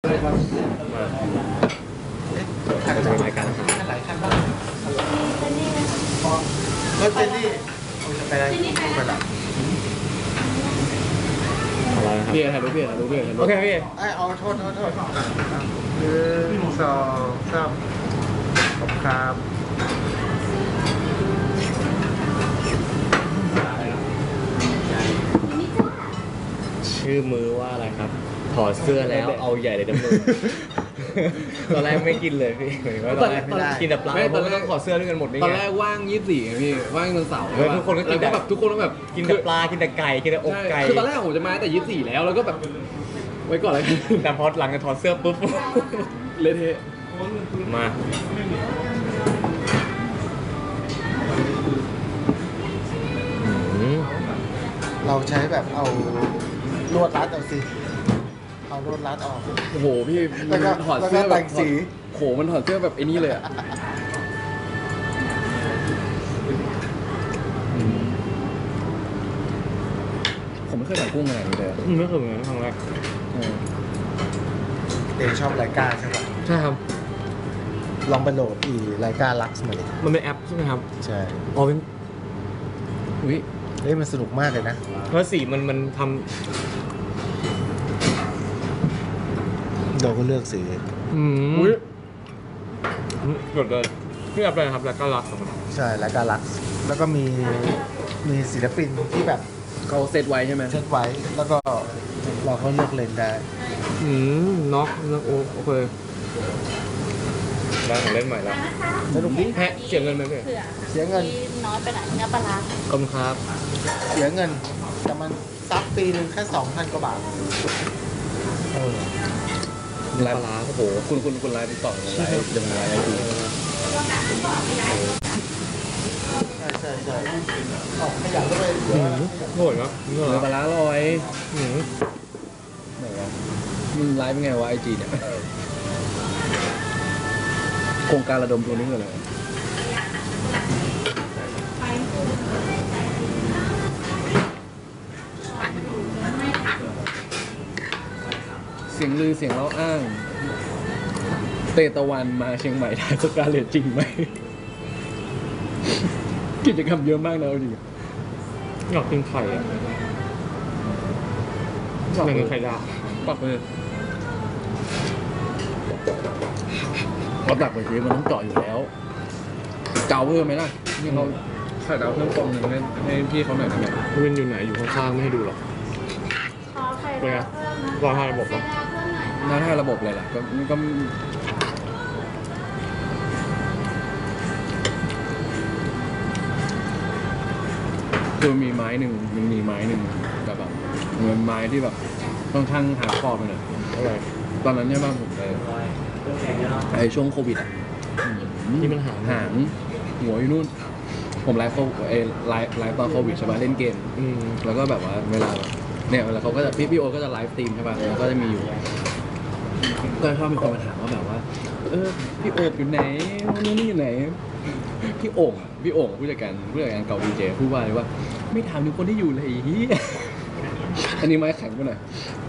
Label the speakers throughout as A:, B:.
A: จะเป็นรายการอาหารหลายขั้นบ้างรถเจนนี่ไปได้ไปละอะไรครับพี่ถ่ายรูปพี่ถ่ายรูปพี่โอเคพี่ไอ้โทษ1 2 3ขอบครับชื่อมือว่าอะไรครับถอดเสื้อแล้วเอาใหญ่เลยนะมือตอนแรกไม่กินเลยพี่ตอนแรกกินแต่ปลาเพราะต้องถอดเสื้อด้วยกันหมดนี่ไงตอนแรกว่าง24ไงพี่ว่างวันเสาร์ทุกคนก็กินแบบทุกคนก็แบบกินแต่ปลากินแต่ไก่กินแต่อกไก่คือตอนแรกผมจะมาแต่24แล้วแล้วก็แบบไว้ก่อนเลยแต่พอหลังจากถอดเสื้อปุ๊บเละเทะมาเราใช้แบบเอาลวดรัดเอาสิเอาลวดรัดออกโอ้โหพี่มันถอดเสื้อแบบสีโหมันถอดเสื้อแบบไอ้นี่เลยอ่ะผมไม่เคยสั่งกุ้งอะไรนี้เลยไม่เคยเหมือนครั้งแรกเองชอบไลกาใช่ไหมใช่ครับลองไปโหลดไลกาลักซ์มาเลยมันเป็นแอปใช่ไหมครับใช่อ๋อเป็นอุ้ยมันสนุกมากเลยนะเพราะสีมันทำเราก็เลือกสีอุ้ยหมดเลยนี่แอปอะไรครับไลกาลักซ์ใช่ไลกาลักซ์แล้วก็มีศิลปินที่แบบเขาเซตไว้ใช่ไหมเซตไว้แล้วก็เราเขาเลือกเลนได้น็อกโอเคได้ของเล่นใหม่แล้วสนุกดิแพะเสียเงินไหมพี่เสียเงินน้อยไปไหนเนื้อปลาขอบคุณครับเสียเงินแต่มันซับปีนึงแค่ 2,000 กว่าบาทเนื้อปลาโอ้โหคุณไลฟ์ต่อไลฟ์ยังไงไลฟ์ดีใช่ออกขยันก็เลยโหดครับเนื้อปลาลอยไหนวะมึงไลฟ์เป็นไงวะไอจีเนี่ยโครงการระดมทุนนี่คืออะไรเสียงลือเสียงเล่าอ้างเตตะวันมาเชียงใหม่ถ่ายสกาเลตจริงไหมกิจกรรมเยอะมากนะดิอยากกินไข่อยากกินไข่ดาวปักเลยเราตักไปทีมันต้องเจาะอยู่แล้วเจ้าเพิ่มไหมล่ะนี่เขาไข่ดาวเพิ่มฟองหนึ่งให้พี่เขาหน่อยได้ไหมมันอยู่ไหนอยู่ข้างๆไม่ให้ดูหรอกเป็นไงรอท่าระบบหรอรอท่าระบบอะไรล่ะก็คือมีไม้หนึ่งแบบเหมือนไม้ที่แบบค่อนข้างหาคอไปหน่อยตอนนั้นเนี่ยบ้านผมเลยไอ้ช่วงโควิดที่มันหางหัวอยู่นู่นผมไลฟ์ตอนโควิดใช่ป่ะเล่นเกมแล้วก็แบบว่าเวลาเนี่ยเวลาเขาก็จะพี่โอก็จะไลฟ์สตรีมใช่ป่ะแล้วก็จะมีอยู่ก็ชอบมีคนมาถามว่าแบบว่าพี่โอบอยู่ไหนนู่นนี่อยู่ไหนพี่โอ่งผู้จัดการเก่าดีเจพูดว่าเลยว่าไม่ถามถึงคนที่อยู่เลยอันนี้ไม้แข็งไปหน่อย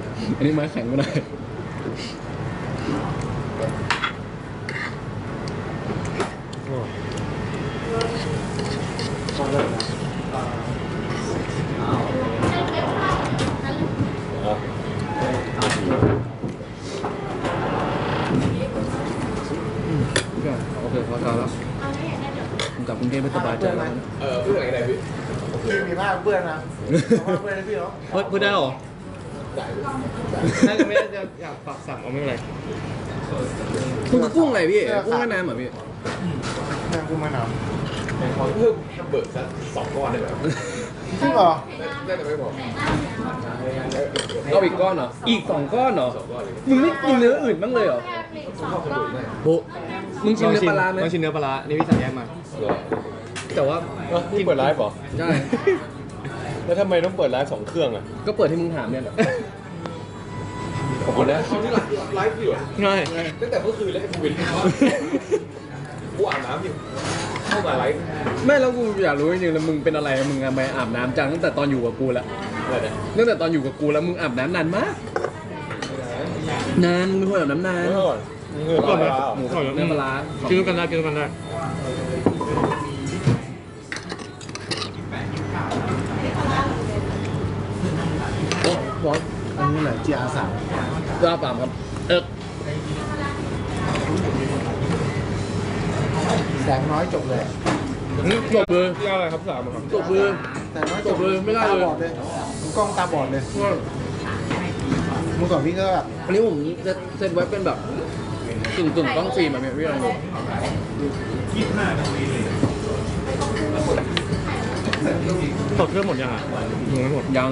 A: โอเคพอแล้วผมกลับกรุงเทพไม่สบายใจแล้วเพื่อนอะไรพี่มีผ้าเพื่อนนะเพื่อนนะพี่เหรอเพื่อนได้หรอน่าจะไม่ได้จะอยากฝากสั่งเอาไม่เป็นไรกุ้งอะไรพี่กุ้งแม่น้ำเหรอพี่กุ้งแม่น้ำขอเพิ่มเบิกสัก2 ก้อนได้ไหมจริงเหรอได้แต่ไม่บอกเอาอีกก้อนเหรออีก2 ก้อนเหรอมึงไม่กินเนื้ออื่นบ้างเลยเหรอมึงชิมเนื้อปลาไหมมึงชิมเนื้อปลานี่พี่สั่งแยกมาแต่ว่าที่เปิดไลฟ์เหรอใช่แล้วทำไมต้องเปิดไลฟ์2 เครื่องอ่ะก็เปิดที่มึงถามเนี่ยแหละขอบคุณนะเขาที่ไลฟ์อยู่ง่ายตั้งแต่เมื่อคืนแล้วไอ้ภูวินกูอาบน้ำอยู่เข้ามาไลฟ์ไม่แล้วกูอยากรู้จริงๆแล้วมึงเป็นอะไรมึงมาอาบน้ำจังตั้งแต่ตอนอยู่กับกูแล้วตั้งแต่ตอนอยู่กับกูแล้วมึงอาบน้ำนานมากนานมึงไม่พูดแบบน้ำนาน
B: อร่อยนี่คือ
C: ก่อน
B: ป
C: นะ
B: ลา
C: หมูก่อน
A: เนื้อปลาร้า
C: กินกันได้กินกันได้
A: โอ้บอส
D: อันนี้แหละ GR3
A: ลาบปามครับ
D: แสงน้อยจบเลย
A: จบเลย
C: ที่อะไรครับสามครับ
A: จบเลย
D: แสงน้อย
A: จบเลยไม่ได้เลย
D: ตาบอดเลยกล้องตาบอดเลยเมื่อก่อนพี่ก็แบบ
A: อันนี้ผมเซตไว้เป็นแบบกึ่งกล้องฟิล์มแบบนี้พี่ลองดู
C: ตดเครื่องหมดยังอ่ะยังไม่หมด
A: ยัง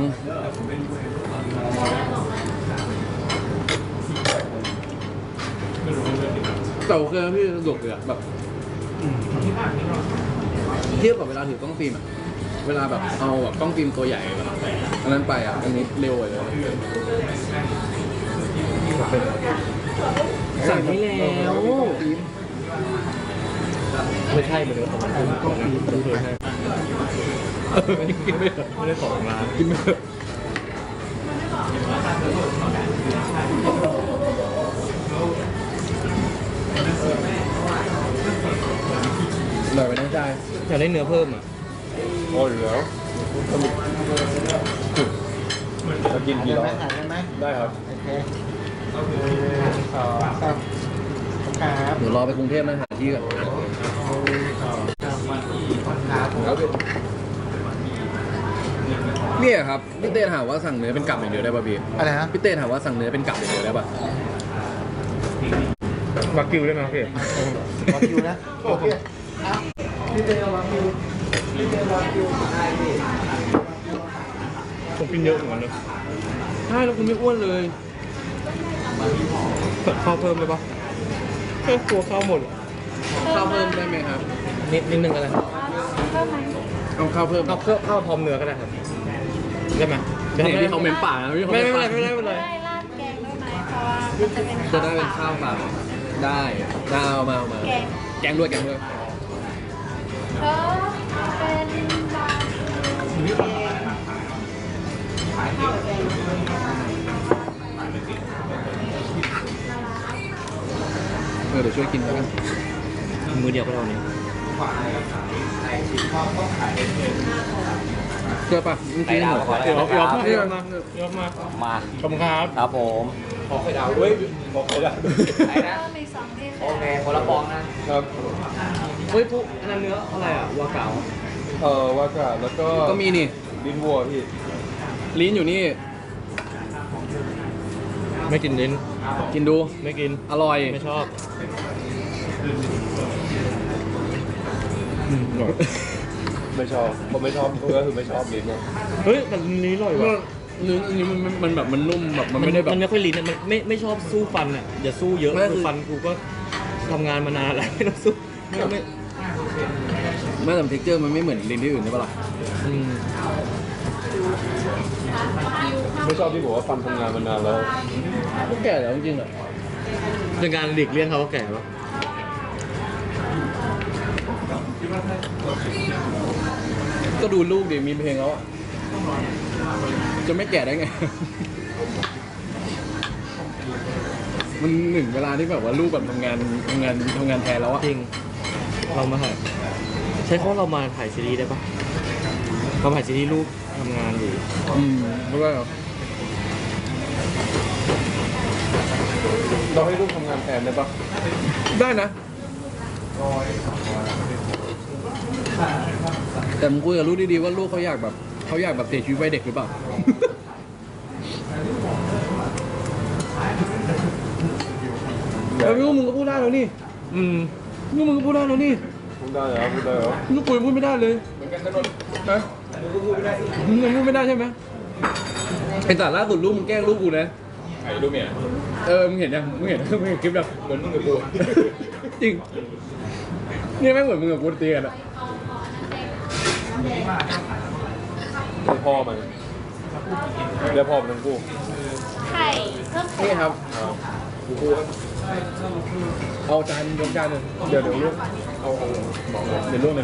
A: แต่โอเคนะพี่สะดวกเลยอะแบบเทียบกับเวลาถือกล้องฟิล์มอะเวลาแบบเอาแบบกล้องฟิล์มตัวใหญ่แบบอันนั้นไปอะอันนี้เร็วเลย สั่งให้แล้ว
D: ฟิล์ม
C: ไม่ใช่เหมือนเดิมของมัน
D: กล้องฟิล์มฟิล์มไป
C: ไม่ได้ของร้าน
A: กินไม่เถอะอร่อยไปนั่งใจ
C: อยากได้เนื้อเพิ่มอ่ะ
B: อร่อยอยู่แล้วจะกินกี่รอบ
D: ถ่ายได้ไหม
B: ได้ครับ
D: โอเคครับครับ
A: เดี๋ยวรอไปกรุงเทพนะหาที่ก่อน เนี่ยครับพี่เต้ถามว่าสั่งเนื้อเป็นกลับอย่างเดียวได้ป่ะพี่
D: อะไรนะ
A: พี่เต้ถามว่าสั่งเนื้อเป็นกลับอย่างเดียวได้ป่ะ
C: วากิวได้ไหมพี่
D: รอคิวนะโอเคอ่ะพี่เต้รอคิวพี่เต้รอคิวได้พี่
C: ผมกินเยอะเหมือนกันเลย
A: ใช่แล้วคุณไม่อ้วนเลย
C: เปิดข้าวเพิ่มเลยปะแค่กลัวข้าวหมด
A: ข้าวเพิ่มได้ไหมครับ
C: นิดนึงก็ได้
A: เอาข้าวเพิ่ม
C: ข้าวพร้อมเนื้อก็ได้ครับได้ไหม
A: เนี่ยที่เขาเม้มปากนะที่เขา
C: ไม่
A: เม้ม
C: ไม่
A: ปาก
C: ไม่ไม่ไม่
E: ได้ราดแกงด้วยไหมเพราะว่ามันจะเป็น
A: จะได้เป็นข้าวเปล่าได้เอามา
E: แกง
A: แกงด้วยแกงด้วย
E: เออเป็นบาร์บีคิวแกง
A: เดี๋ยวช่วยกินแล้วกัน
C: มือเดียวก็เท่านี้
A: เชื่อป่ะเมื่อกี้หมด
C: เดี๋ยวเอา
A: เดี๋ยว
C: มาเดี๋ยวมา
B: มา
C: ขอบคุณครับ
B: ครับผมขอไข่ดาวเว้ยขอไข่ดาว
E: เพิ่มอีก2ที่
B: โอเคคนละฟองนะครับ
C: เฮ้ยปุ๊อันนั้นเนื้ออะไรอ่ะวาเก๋า
B: ว่ากาแล้วก็
A: ก็มีนี่
B: ลิ้นวัวพี่
A: ลิ้นอยู่นี่
C: ไม่กินลิ้น
A: กินดู
C: ไม่กิน
A: อร่อย
C: ไม่ชอบ
B: ไม่ชอบผมไม่ชอบก็คือไม่ชอบลิ้นนะ
C: เฮ้ยแต่ลิ้นอร่อยว่ะ
A: เนื้ออันนี้มันแบบมันนุ่มแบบมันไม่ได้แบบ
C: มันไม่ค่อยลิ้นอะมันไม่ชอบสู้ฟันอ่ะอย่าสู้เยอะ
A: ไม่คือ
C: คือฟันกูก็ทำงานมานานแล้วไม่ต้องสู้ไม่
A: ไม่แต่เท็กเจอร์มันไม่เหมือนลิ้นที่อื่นใช่ปะล่ะ
C: อืม
B: ไม่ชอบที่บอกว่าฟันทำงานมานานแล้ว
A: ก็แก่แล้วจริงๆอ่ะ
C: เป็นการหลีกเลี่ยงเขาว่าแก่ปะ
A: ก็ดูลูกดิมีเพลงแล้วอ่ะจะไม่แก่ได้ไง มันหนึ่งเวลาที่แบบว่าลูกแบบทำงานแทนแล้วอ่ะ
C: จริงเรามาถ่ายใช้คำว่าเรามาถ่ายซีรีส์ได้ปะเราถ่ายซีรีส์ลูกทำงานอยู่
A: แล้วก็
B: เราให้ลูกทำงานแทนได้ปะ
A: ได้นะ แต่มึงคุยกับลูกดีๆว่าลูกเขาอยากแบบเสียชีวิตวัยเด็กหรือเปล่า แล้วลูกมึงก็พูดได้แล้วนี่
C: อืม
A: ลูกมึงก็พูดได้แล้วนี่
B: พูดได้เหรอพูดได้เหรอ
A: ลูกคุยพูดไม่ได้เลยเหมือนกันถนนนะมึงยังพูดไม่ได้ใช่ไหมไอ้แต่ล่าสุดลูกมึงแกล้งลูกกูนะ
B: ไอ้ลูกเมีย
A: มึงเห็นยังมึงเห็นคลิปแบบ
B: เหมือนมึงกับกู
A: จริงนี่ไม่เหมือนมึงกับกูตีกันอะ
B: ให้พ่อมันเรียกพ่อมันทั้งคู่
E: ไข่เพิ่มไข่
A: นี่ครับ
B: กูคู่ครับ
A: เอาจานยกจานหนึ่งเดี๋ยวลูกเอาบอกเลยเดี๋ยวลูก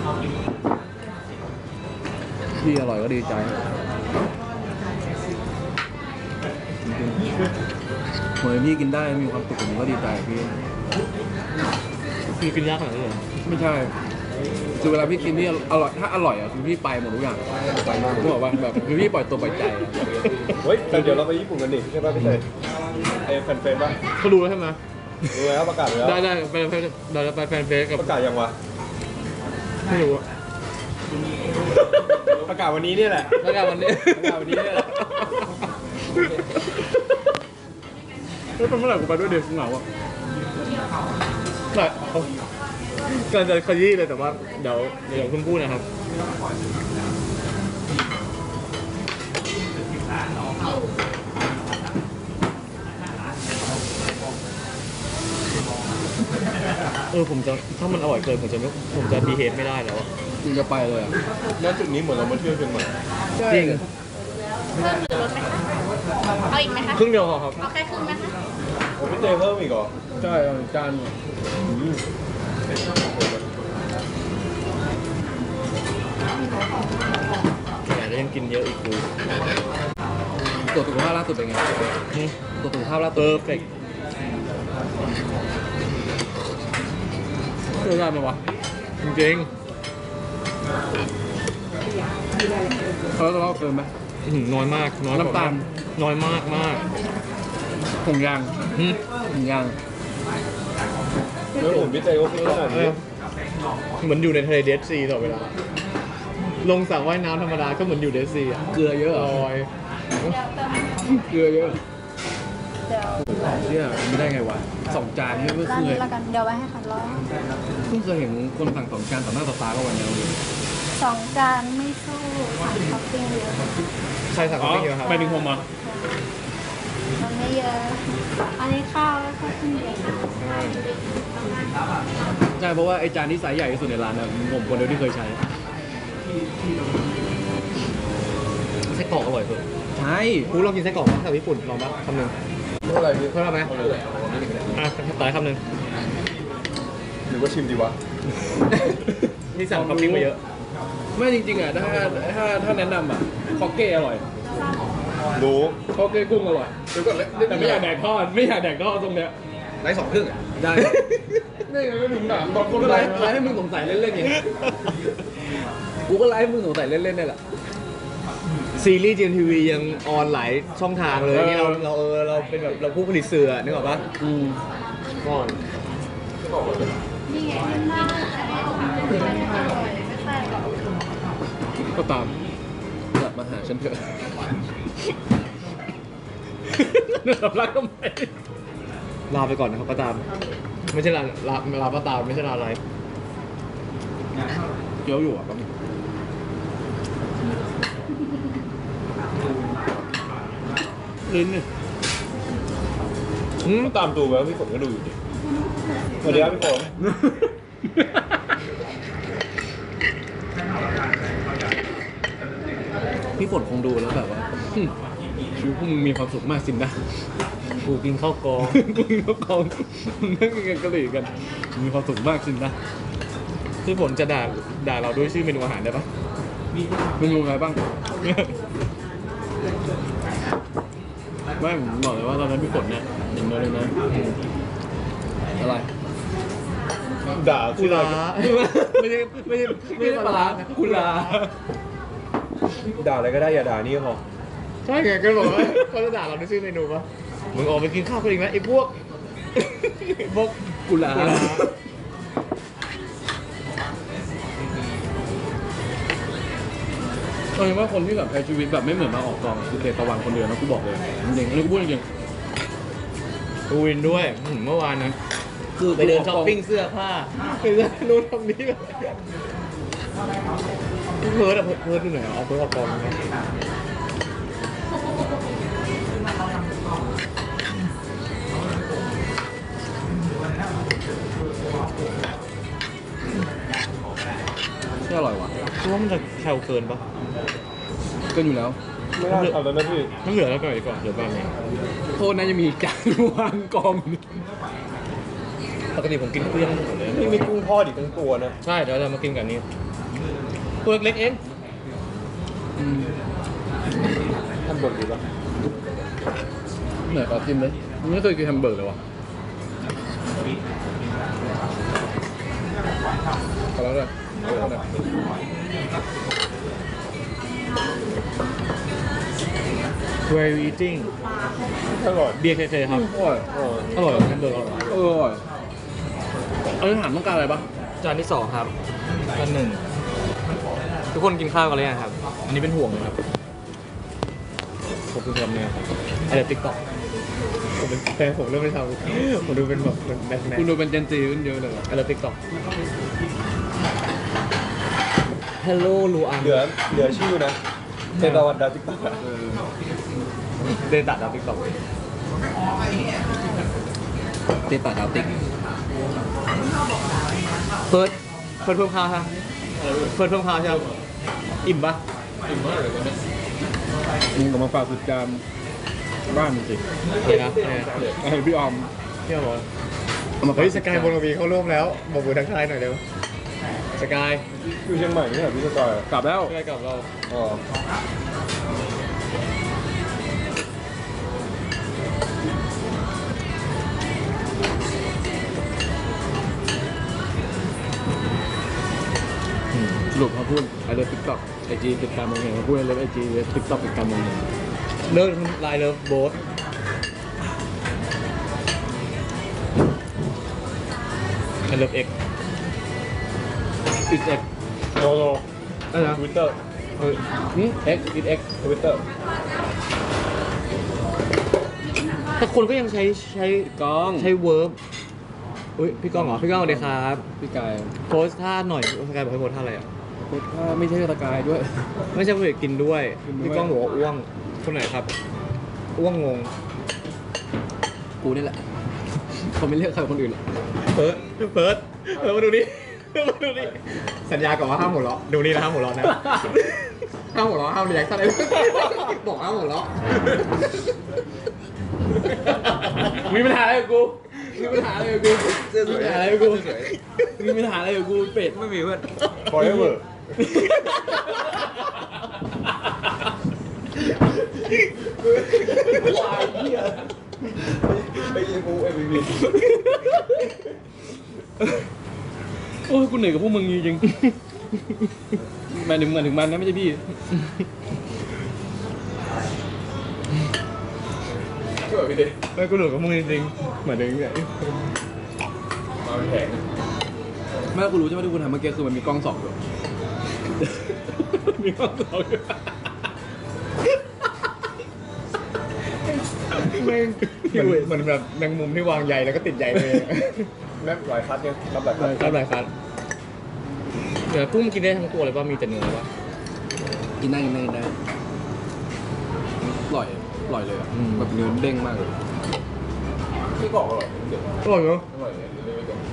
A: พี่อร่อยก็ดีใจจริงๆเหมือนพี่กินได้มีความสุขผมก็ดีใจพี่
C: คือกินยากขนาดนี้เหรอ
A: ไม่ใช่คือเวลาพี่กินนี่อร่อยถ้าอร่อยอ่ะคือพี่ไปหมดทุกอย่าง
B: ไปมาก
A: รู้บอกว่าแบบคือพี่ปล่อยตัวปล่อยใจอะ
B: เฮ้ยแต่เดี๋ยวเราไปญี่ปุ่นกันดิใช่ป่ะพี่เตยไอ้แฟนเฟซป่ะ
C: เขารู้แล้วใช่ไหม
B: รู้แล้วประกาศแล้ว
C: ได้ไปเราจะไปแฟนเฟซกับ
B: ประกาศยังวะ
C: ไม่รู้อะ
B: ประกาศวันนี้เนี่ยแหละ
C: แล้วกันวันนี้
B: ประกาศวันนี้เนี่ยแหละ
A: แล้วเป็นเมื่อไหร่กูไปด้วยเด็กเหงาอ่ะ
C: แต่เขากำลังจะขยี้เลยแต่ว่าเดี๋ยวคุณพูดนะครับ ผมจะถ้ามันอร่อยเกินผมจะบีเฮฟไม่ได้แล้วอะ
A: มึงจะไปเลยอ่ะ
B: ณจุดนี้เหมือนเรามาเที่ยวเชียงใหม่
C: จริง
E: เพิ่มหรือลดไหมคะเอาอีกไหมคะ
C: ครึ่งเดียวพอครับ
E: เอาแค่ครึ่งไหมคะ
B: โอ้พี่เตยเพิ่มอีกเหรอ
A: ใช่เอาจานหนึ่ง
C: แต่แล้วยังกินเยอะอีกกู
A: ตรวจสุขภาพล่าสุดเป็นไงตรวจสุขภาพล่า
C: เป
A: สุ
C: อ
A: ด
C: ร์เฟก
A: เชื่อได้ไหมวะ
C: จริง
A: เขาจะเล่าเกินไหม
C: น้อยมากน้อยกว่
A: น้ำตาล
C: น้อยมากมาก
A: ผงยาง
C: หึ
A: ผงยาง
B: แล้วผมพี่เตยก็ขึ้นขนาดนี้
C: เหมือนอยู่ในทะเลเดดซีตลอดเวลาลงสระว่ายน้ำธรรมดาก็เหมือนอยู่เดดซีอ่ะ
A: เกลือเยอะเหร
C: ล
A: อ
C: อย
A: เกลือเยอะ
E: เดี๋ยว
A: เชื่อไม่ได้ไงวะ2 จานนี่ไม่
E: ร้าน
A: เค
E: นี้
A: ย
E: ละกัน เดี๋ยวไว้ให้ค่ะร้อย
A: เพิ่งเคยเห็นคนสั่ง2 จานต่อหน้าต่อตาก็วันนี้เลย
E: 2 จานไม่สู้ค่ะท็อปปิ้งเยอะ
C: ใครสั่ง
A: อ๋อ
C: ไม่เยอะครับ
A: ไปถึงผมอ่ะ
E: มันไม่เยอะ อันนี้ข้าวแล้วก็ขึ้นเดียว
A: ใช่เพราะว่าไอจานที่ไซส์ใหญ่ที่สุดในร้านนะผมคนเดียวที่เคยใช้
C: ไส้กรอกอร่อยสุด
A: ใช่
C: กูลองกินไส้กรอกมั้ยแถวญี่ปุ่นลองปะคำหนึ่ง
B: เท่าไหร่พี่
C: เท่าไหร่ไหมต่อคำหนึ่ง
B: หรือว่าชิมดีวะ
C: นี่สั่งท็อปปิ้งมาเยอะ
A: ไม่จริงๆอ่ะถ้าแนะนำอ่ะคอกเก้อร่อย
B: รู้
A: คอกเก้กุ้งอร่อยแต่ไม่อยากแดกทอดไม่อยากแดกทอดตรงเนี้ย
B: ไร้2 ครึ่งอ่ะ
A: ได้นี่ไงไม่ถึงถามบางคนก็ไลฟ์ให้มึงสงสัยเล่นๆไงกูก็ไลฟ์ให้มึงสงสัยเล่นๆนี่แหละ
C: ซีรีส์ GMTV ยังออนหลายช่องทางเลยนี่เราเป็นแบบเราผู้ผลิตสื่อนึกออกปะ ก่อน
E: นี่ไงน่าจะไม่อร่อยไม่ใช่หรอก
A: ก็ตามกลับมาหาฉันเถอะสำลักก็ไม่
C: ลาไปก่อนนะครับป้าตาม ไม่ใช่ลาป้าตามไม่ใช่ลาอะไร
A: เกี่ยวอยู่อ่ะปั๊มลิ้นเนี่ย
B: ก็ตามดูไปว่าพี่ฝนก็ดูอยู่ดิสวัสดีครับพี่ฝน
A: พี่ฝนคงดูแล้วแบบว่าชีวิตพวกมึงมีความสุขมากสินนะ
C: กูกินข้าวกอง
A: กูกินข้าวกล่องมึงนั่งกินกันกะหรี่กัน มีความสุขมากสินนะ
C: คือผลจะด่าเราด้วยชื่อเมนูอาหารได้ปะ
A: เมนูอะไรบ้าง ไม่ผมบอกเลยว่าตอนนั้นพี่ฝนเนี่ยอย่างเดียวเลยนะอะไร
B: ด่า
C: กุ
B: ชื่อ
C: ลา
B: อะไร
A: ไม่ใช่ปลาร้ากุลา
B: ด่าอะไรก็ได้อย่าด่านี่ก็พอ
C: ใช่ไงก็บอกว่าเขาจะด่าเราด้วยชื่อเมนูปะมึงออกไปกินข้าวกันอีกนะไอ้พวก
A: กุลาเอาเป็นว่าคนที่แบบใช้ชีวิตแบบไม่เหมือนมาออกกองคือเตตะวันคนเดียวนะกูบอกเลยจริงๆอันนี้กูพูดจริง
C: กูวินด้วยเมื่อวานนะ
A: ๆคือ
C: ไปเดินช้อปปิ้งเสื้อผ้าไปเดินนู้นทำนี้แบบเพิร์ดอะเพิร์ดอยู่ไหนอะเอาเพิร์ดออกกองนะ
A: ที่อร่อยว่ะ
C: คิดว่ามันจะแคลเกินปะ
A: ก็อยู่แล้ว
B: ไม่น่าทำแล้วนะพี่
C: ไม่เหลือแล้วก็อีกก่อนเหลือบ้างไหม
A: โทษนะจะมีจานวางกองอยู่
C: ปกติผมกินเปรี้ยวหมดเลย
B: นี่มีกุ้งทอดอีกทั้งตัวนะ
C: ใช่เดี๋ยวเรามากินกันนี้ตัวเล็กๆเอง
B: ท่านบ่นดีป่ะ
A: เหนื่อยขอชิมเลยไม่เคยกินแฮมเบอร์เกอร์เลยวะขอแล้วเลยเอาแล้วเลย
C: Where eating
B: อร่อย
C: เบียร์เคครับ
A: อร่อย
C: อร่อยแฮมเบอร์เกอร์อร่อย
A: อร่อยเอาถามต้องการอะไรปะ
C: จานที่2ครับจาน1ทุกคนกินข้าวกันหรือยังครับ อันนี้เป็นห่วงนะครับผมเป็นคนเนี่ยครับไอเดียติ๊กต็อกผมเป็นแฟนผมเริ่มไม่ทำผมดูเป็นแบบแบทแมน
A: คุณดูเป็นเจนซีขึ้นเยอะเลยว่ะ
C: ไอเดียติ๊กต็อก Hello ลูอัน
B: เหลือชื่อนะเทตาวันดาติ๊กต็อก
C: เดตัดดาวติ๊กต็อก
A: ตีปากดาวติ๊ก
C: เพิ่มข้าวฮะเพิ่มข้าวใช่ไหมอิ่มปะ
A: มึงก็มาฝากสุดจามบ้านมึงสิ
C: เลยนะเนี่ย
A: ไอ้พี่ออม
C: เที่ยวเหรอ
A: เอามาฝาก
C: เฮ้ยสกายบนวีเขาร่วมแล้วบอกมือทักทายหน่อยเร็วสกาย
B: อยู่เชียงใหม่นี่เหรอพี่สกาย
A: กลับแล้ว
C: สกายกับเรา
B: อ๋อ
A: สรุปเขาพูดไอเลิฟติ๊กต็อกไอจีติดการมองเห็นเขาพูดไอเลิฟไอจีติ๊กต็อกติดการมองเห็น
C: เลิกไลน์เลิฟโบ๊ทไอเลิฟเอ็ก
A: อิดเอ็ก
B: โนโน
C: อะไรนะ
B: ทวิตเตอร์
A: เอ็กอิดเอ็ก
B: ทวิตเตอร์
C: แต่คนก็ยังใช้
A: กล้อง
C: ใช้เวิร์บอุ้ยพี่ก้องเหรอพี่ก้องสวัสดีครับ
A: พี่กาย
C: โพสท่าหน่อยสกายบอกให้โพสท่าอะไรอ่ะ
A: โคตรว่าไม่ใช่ตะกายด้วย
C: ไม่ใช่เพื่อกินด้วย
A: กินด้วย
C: พี่ก้องบอกว่าอ้วงคนไหนครับอ้วงงง
A: กูนี่แหละเขาไม่เรียกใครคนอื่นหรอก
C: เฟิร์สมาดูนี่มาดูนี่สัญญาก่อนว่าห้ามหัวเราะดูนี่นะห้ามหัวเราะนะห้ามหัวเราะห้ามเรียกอะไรบอกห้ามหัวเราะ
A: มีปัญหาอะไรกับกูมีปัญหาอะไรกับกูมีปัญหาอะไรกับกูมีปัญหาอะไรกับกูเป็ดไม่มีเพื่อน
B: forever ไปยิงกู MVP
A: โอ้ยกูเหนื่อยกับพวกมึงจริงๆหมายถึงมันนะไม่ใช่พี่
B: ช่วยพี่ดิ
C: ไม่กูหลุดกับมึงจริงๆเหมือนเดิมเลย
B: มาเป็นแผง
A: แม่กูรู้ใช่ไหมที่กูทำเมื่อกี้คือมันมีกล้องส่องอยู่ มีกล้องส่องอยู่
C: แม่งเหมือนแบบแมงมุมที่วางใยแล้วก็ติดใยเลย
B: แม่หลายคัดเนี่ยรับหลายคัด
C: ครับหลายคันเดี๋ยวกุ้งกินได้ทั้งตัวเลยป่ะมีแต่เนื้อป่ะ
A: กินได้อร่อยเลยอะแบบเนื้อเด้งมากเลย
B: พี่บอกอร่อยเดี๋ยว
C: อร่อยเนาะ
B: อร่อยเลยเดี๋ยวไม่ต้อง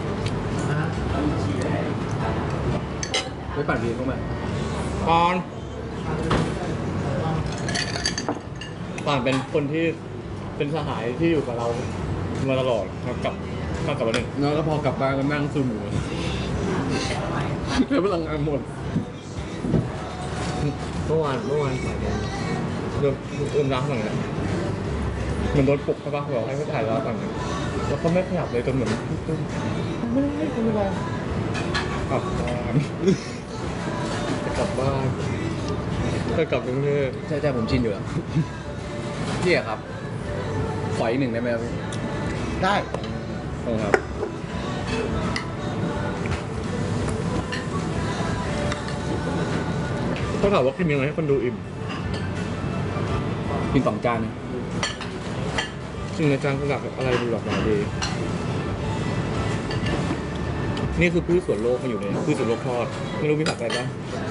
A: ไม่ปั่นพีเข้ามา
C: ป่านเป็นคนที่เป็นสหายที่อยู่กับเรามาตลอดครับกลับมาหนึ่ง
A: แล้วก็พอกลับบ้านก็นั่งซึมอยู่ใช้พลังงานหมด
C: เมื่อวานถ่ายโมงเริ่มร้านหน่อยนะเหมือนโดนปลุกใช่ปะบอกให้เขาถ่ายร้านก่อนนะแล้วเขาไม่ขยับเลยจนเหมือนไม่ได้ไม่ได้กลับบ้านจะกลับบ้านจะกลับกรุงเทพ
A: ใช่ผมชินอยู่แล้วพี่อะครับ ขออีกหนึ่งได้ไหมครับพี่
D: ได้
A: ขอบคุณครับ
C: ต้องถามว่ากินยังไงให้คนดูอิ่ม
A: กิน2 จานนะ
C: ซึ่งในจานสลักอะไรดูหลากหลายดีนี่คือพืชสวนโลกมาอยู่ในพืชสวนโลกทอดไม่รู้มีผักอะไรบ้าง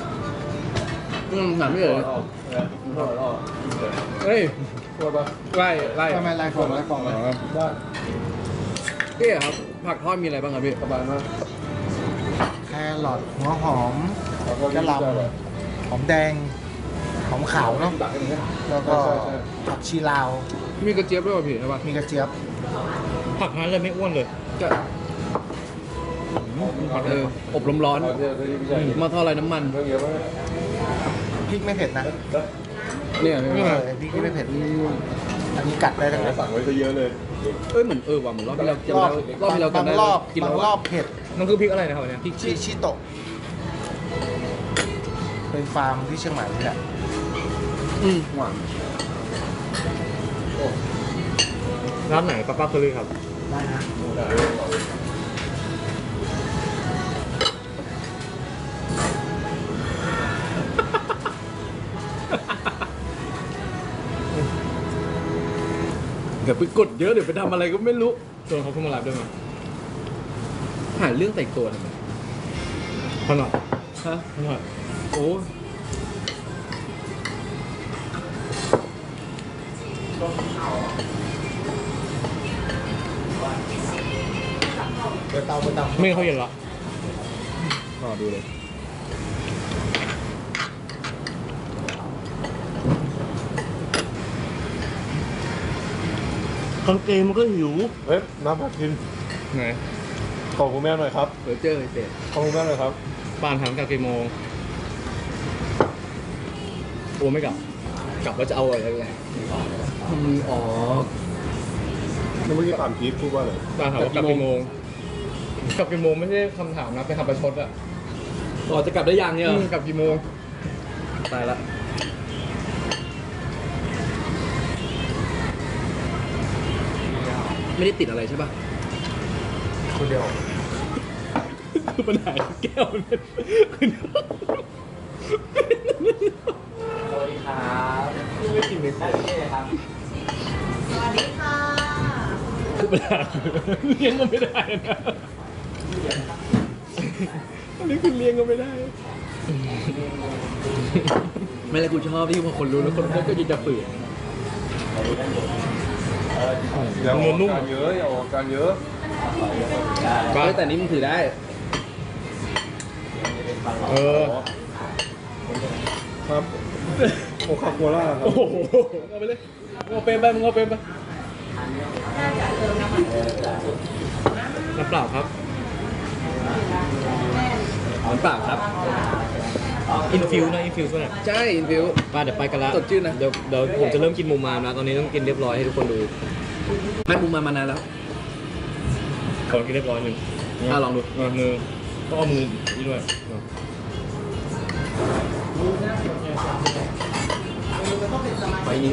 A: ถามพี่เอ๋
B: ออกนะอร่อยออก
A: เฮ้ย
B: ตัวปะ
A: ไล่
D: ทำไมไล่ฟองไล่ฟอง
A: อ๋อ
B: ได้
A: พี่อะครับ ผักทอดมีอะไรบ้างครับพี่
B: สบายมาก
D: แครอทหัวหอมกระหล่ำหอมแดงหอมขาวเนาะ
B: ตักให้มึงนะ
D: แล้วก็ผักชีลาว
A: มีกระเจี๊ยบด้วยป่ะพี่ใช่ป่ะ
D: มีกระเจี๊ยบ
C: ผักนั้นเลยไม่อ้วนเลย
A: จะ
B: หอม
A: อบลมร้อน
B: ไม่ใช่
A: หม้อทอดไร้น้ำมัน
B: เรื่องเยอะมาก
D: พริกไม่เผ็ดนะ
A: เนี่ย
D: พริกที่ไม่เผ็ดอันนี้กัดได้ทั้งนั้น
B: สั่งไว้ซะเยอะเลย
A: เหมือนว่ะเหมือนรอบที่เราจำ
D: รอบ
A: ได้รอบที่เรา
D: บาง
A: จำได้
D: รอบ
A: กิน
D: บาง
A: แล้ว
D: รอบเผ็ด
C: นั่นคือพริกอะไรนะครับเนี่ย
D: พริกชิโตะเป็นฟาร์มที่เชียงใหม่นี่แหละ
A: หวาน
C: ร้านไหนป้าเคอรี่ครับ
D: ได้นะ
A: เดี๋ยวไปกดเยอะเดี๋ยวไปทำอะไรก็ไม่รู้
C: ชวนเขาขึ้นมาไลฟ์ด้วยมั้ย
A: หาเรื่องแต่งตัวทำไม
C: ขนาด
A: ฮะ
C: ขนาด
A: โอ้
D: เปิดเตา
C: ไม่เขาเย็นละ
A: รอดูเลย
C: กางเกงมันก็หิว
B: เฮ้ยน้ำผักกิน
C: ไหน
B: ขอคุณแม่หน่อยครับ
A: เดี๋ยวเจอไอ้เป็ด
B: ขอคุณแม่หน่อยครับ
C: ป่านถามกลับกี่โมงโอ้ไม่กลับ กลับแล้วจะเอาอะไรไง
A: มือออก
B: เมื่อกี้ถามพีทพูดว่าอะไร
C: ป่านถามว่ากลับกี่โมง กลับกี่โมงไม่ใช่คำถามนะเป็นคำประชดอะ
A: ออกจะกลับได้ยังเนี่ย
C: กลับกี่โมง
A: ตายละไม่ได้ติดอะไรใช่ป่ะ
D: คนเดียว
C: คือปัญหาแก้วมันเป็น
D: สวัสดีครับ
C: ไม่กินไม่ได้
D: ครับ
E: สวัสดีค่ะ
C: คือปัญหาเลี้ยงก็ไม่ได้นะอันนี้คือเลี้ยงก็ไม่ได้
A: ไม่เลยกูชอบที่พอคนรู้แล้วคนก็จะฝืน
B: อย่าออกอาการเยอะอย่าออกอาการเยอะ
A: แต่นี้มึงถือได้
C: เออ
B: ครับโอคาโคล่าครับ
C: โอ้โหเอาไปเลยเอาเป็นไปมึงเอาเป็นไปน้ำเปล่าครับ
A: เหมือนเปล่าครับ
C: อินฟิวนะอินฟิวใช่ไหม
A: ใช่อินฟิว
C: ป้าเดี๋ยวไปกันละ
A: สดชื่นนะ
C: เดี๋ยวผมจะเริ่มกินมูมามแล้วตอนนี้ต้องกินเรียบร้อยให้ทุกคนดู
A: ไม่มุมมานานแล้ว
C: ขอกินเรียบร้อยหนึ่ง
A: ลองดู
C: มือต้องเอามือนี่ด้วย
A: ไปนี้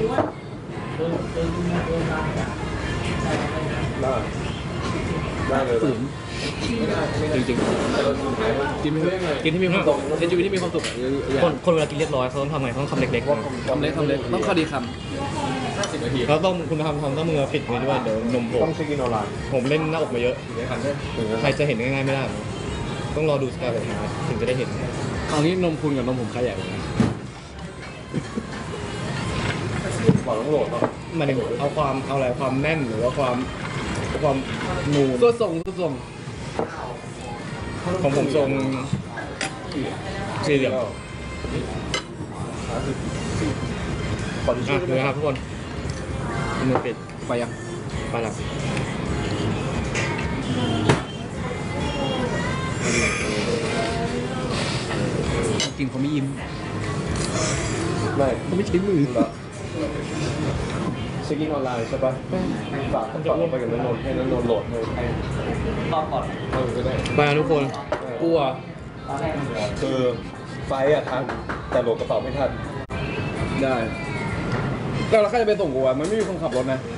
B: ได้เลย
A: ฝืนจริงๆกินไม่กินที่มีความสุขในชีวิตที่มีความสุขอะอย่า
C: คนเวลากินเรียบร้อยเขาต้องทำไงต้องทำเล็กๆนะ
A: ทำเล็กต้องพอดีค
C: เขาต้องคุณทำต้องมือปิดไว้ด้วยเดี๋ยวนมโผล่
B: ต้องเช็คอินออนไลน์
C: ผมเล่นหน้าอกมาเยอะ ใครจะเห็นง่ายๆไม่ได้ ต้องรอดูสกายแบบนี้ถึงจะได้เห็น
A: ำเอางี้นมคุณกับนมผมใครใหญ่กว่ากัน
B: บอกต้องโหลดเนาะ
C: หมายถึงเอาอะไรความแน่นหรือว่าความนูน
A: ตัวส่ง
C: ของผมทรงสี่เหลี่ยม
B: ขอที่ช่วย
C: ดูนะครับทุกคนมือปิด
A: ไปยัง
C: ไปแล้ว
A: กินเขาไม่ยิ้ม
B: ไม่
A: เขาไม่ใช้มือ
B: ละเช็คอินออนไลน์ใช่ปะฝากไปกับนนท์ให้นนท์โหลดให้ก็ได้
C: ไปแล้วทุกคนกลัว
B: คือไฟล์อะทันแต่โหลดกระเป๋าไม่ทัน
A: ได้แล้วใครจะไปส่งกูอ่ะมันไม่มีคนขับรถนะ